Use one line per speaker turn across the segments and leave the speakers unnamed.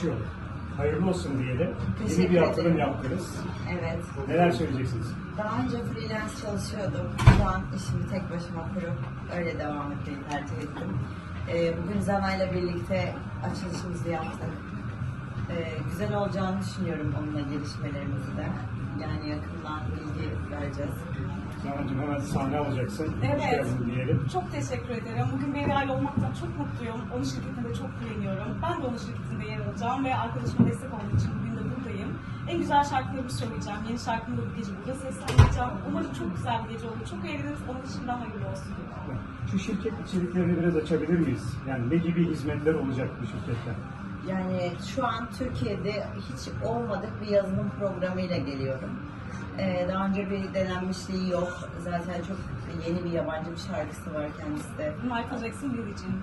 Hayırlı olsun diyelim.
Teşekkür
Yeni bir yatırım
ederim.
yaptınız.
Evet.
Neler söyleyeceksiniz?
Daha önce freelance çalışıyordum. Şu an işimi tek başıma kurup öyle devam etmeyi tercih ettim. Bugün Zana'yla birlikte açılışımızı yaptık. Güzel olacağını düşünüyorum onunla gelişmelerimizi de. Yani yakından bilgi vereceğiz.
Zana'cığım hemen sahne alacaksın. Hoş
Evet.
geldin diyelim.
Çok teşekkür ederim. Bugün bir aile olmaktan çok mutluyum. Onun şirketinde çok güveniyorum. Ben de onun şirketinde yer alacağım ve arkadaşıma destek olduğu için bugün de buradayım. En güzel şarkılarımı söyleyeceğim. Yeni şarkımı da bu gece burada seslendireceğim. Umarım çok güzel bir gece olur. Çok eğleniriz. Onun için de hayırlı olsun.
Şu şirket içeriklerini biraz açabilir miyiz? Yani ne gibi hizmetler olacak bu şirkette?
Yani şu an Türkiye'de hiç olmadık bir yazılım programıyla geliyorum. Daha önce bir denenmişliği yok. Zaten çok yeni bir yabancı bir şarkısı var kendisi de.
Michael Jackson Bill için.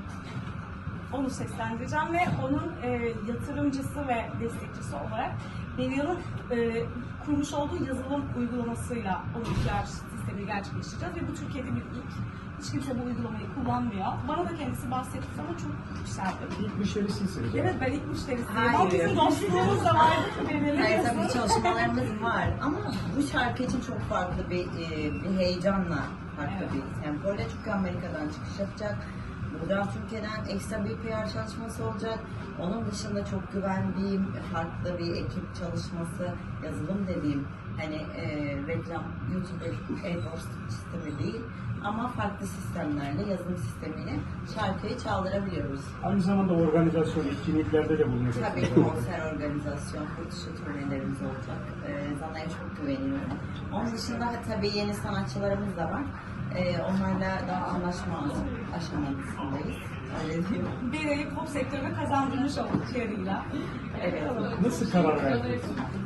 Onu seslendireceğim ve onun yatırımcısı ve destekçisi olarak Devia'nın kurmuş olduğu yazılım uygulamasıyla onun PR sistemini gerçekleştireceğiz ve bu Türkiye'de bir ilk. Hiç kimse bu uygulamayı kullanmıyor. Bana da kendisi bahsetti sonra çok yükseldim.
İlk müşterisiniz.
Evet, ben ilk müşterisiyim. Ama
Hayır.
bizim dostluğumuz da vardı ki belirli.
Hayır, tabii çalışmalarımız var ama bu şarkı için çok farklı bir heyecanla, farklı
Evet.
bir tempoyla, çünkü Amerika'dan çıkış yapacak. Buradan Türkiye'den ekstra bir PR çalışması olacak. Onun dışında çok güvendiğim farklı bir ekip çalışması, yazılım dediğim hani reklam, YouTuber, AdWords sistemi değil ama farklı sistemlerle, yazılım sistemiyle şarkıyı çaldırabiliyoruz.
Aynı zamanda organizasyon, etkinliklerde de bulunacaksınız.
Tabii konser organizasyon, yurt dışı turnelerimiz olacak. Zana'ya çok güveniyorum. Onun dışında tabii yeni sanatçılarımız da var. Onlarla daha anlaşma aşamasındayız. Öyle diyeyim.
Bir pop sektörüne kazandırmış olduk yarıyla.
Evet.
Nasıl karar verdiniz?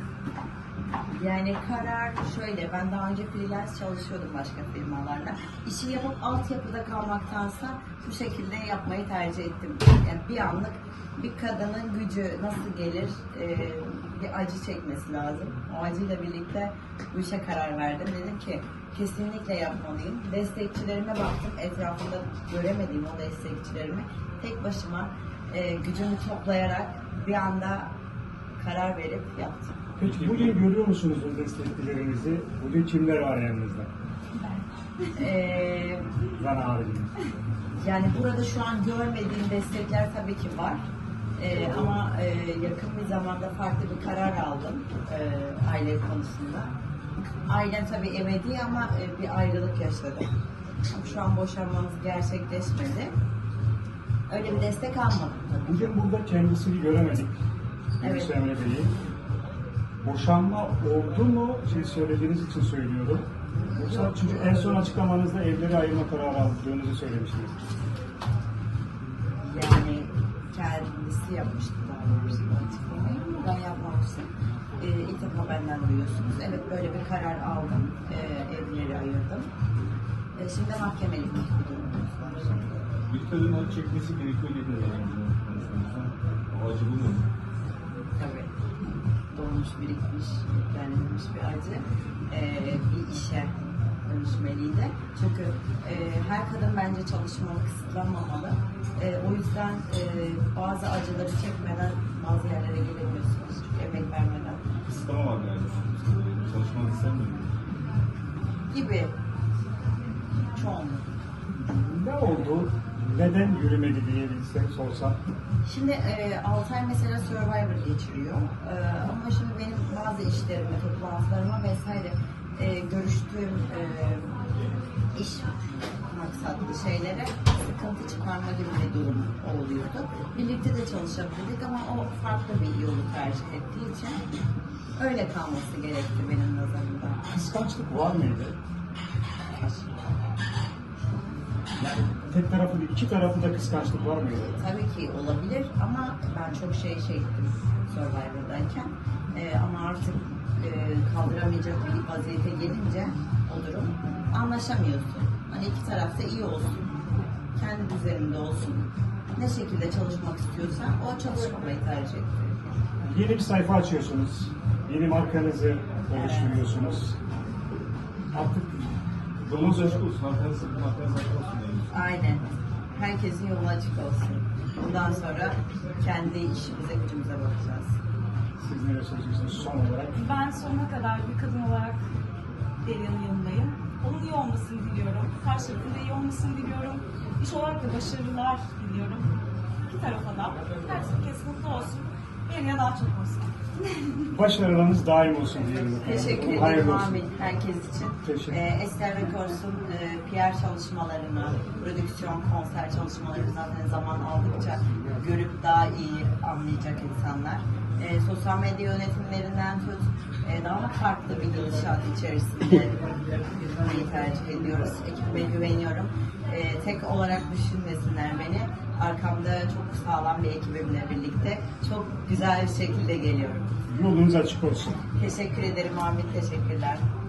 Yani karar şöyle, ben daha önce freelance çalışıyordum başka firmalarla. İşi yapıp altyapıda kalmaktansa bu şekilde yapmayı tercih ettim. Yani bir anlık bir kadının gücü nasıl gelir, bir acı çekmesi lazım. O acıyla birlikte bu işe karar verdim. Dedim ki kesinlikle yapmalıyım. Destekçilerime baktım, etrafımda göremediğim o destekçilerimi tek başıma gücümü toplayarak bir anda karar verip yaptım.
Peki bugün görüyor musunuz o destekçilerinizi? Bugün kimler var yanınızda? Zana haricinde.
Yani burada şu an görmediğim destekler tabii ki var. Ama yakın bir zamanda farklı bir karar aldım aile konusunda. Ailem tabii ebedi ama bir ayrılık yaşadım. Şu an boşanmamız gerçekleşmedi. Öyle bir destek almadım tabii.
Bugün burada kendisini göremedik.
Evet.
Emre Bey'i. Boşanma oldu mu? Söylediğiniz için söylüyorum. Yoksa çünkü en son açıklamanızda evleri ayırma kararı aldığınızı söylemiştiniz.
Yani kendisi yapmıştı daha doğrusu bu açıklamayı ama ben yapmamıştım. İlk defa benden duyuyorsunuz. Evet, böyle bir karar aldım. Evleri ayırdım. Şimdi mahkemelik bir durumumuz var.
Bir kadın acı çekmesi gerekiyor dedi yani. O acı bu mu?
Tabii. Dolmuş, birikmiş, yüklenilmiş bir acı. Bir işe dönüşmeliydi. Çünkü her kadın bence çalışmalı, kısıtlanmamalı. O yüzden bazı acıları çekmeden bazı yerlere gelemiyorsunuz. Çünkü emek vermeden.
Kısıtlama var yani. Çalışmak istemiyorum.
Gibi. Çoğunluk.
Ne oldu? Neden yürümedi diye bilsem sorsam.
Şimdi 6 ay mesela Survivor geçiriyor. Ama şimdi benim bazı işlerime, toplantılarıma vesaire görüştüğüm iş maksatlı şeylere sıkıntı çıkarma gibi bir durum oluyordu. Birlikte de çalışabilirdik ama o farklı bir yolu tercih ettiği için öyle kalması gerekti benim nazarımda.
Kıskançlık var mıydı? Yani tek taraflı değil, iki taraflı da kıskançlık var mıydı?
Tabii ki olabilir ama ben çok şey ettim Survivor'dayken. Ama artık kaldıramayacak bir vaziyete gelince o durum anlaşamıyorsun. Hani iki taraf da iyi olsun, kendi düzeninde olsun. Ne şekilde çalışmak istiyorsan o çalışmamayı tercih etti.
Yeni bir sayfa açıyorsunuz. Yeni markanızı oluşturuyorsunuz. Artık
Yolunuz açık olsun. Arkanız açık olsun.
Aynen. Herkesin yolu açık olsun. Bundan sonra kendi işimize gücümüze bakacağız.
Siz neler söyleyeceksiniz son olarak?
Ben sonuna kadar bir kadın olarak Derya'nın yanındayım. Onun iyi olmasını diliyorum. Karşılıklı iyi olmasını diliyorum. İş olarak da başarılar diliyorum. İki tarafa da. Herkes mutlu olsun. Derya daha çok olsun.
Başarılarınız daim olsun diyelim.
Teşekkür ederim
Hayırlı olsun.
Amin herkes için.
Teşekkür.
Ester Records'un PR çalışmalarını, prodüksiyon, konser çalışmalarını zaten zaman aldıkça görüp daha iyi anlayacak insanlar. Sosyal medya yönetimlerinden tut, daha farklı bir gidişat içerisinde yürümeyi tercih ediyoruz. Ekibime güveniyorum. Tek olarak düşünmesinler beni. Arkamda çok sağlam bir ekibimle birlikte çok güzel bir şekilde geliyorum.
Yolunuz açık olsun.
Teşekkür ederim Ahmet, teşekkürler.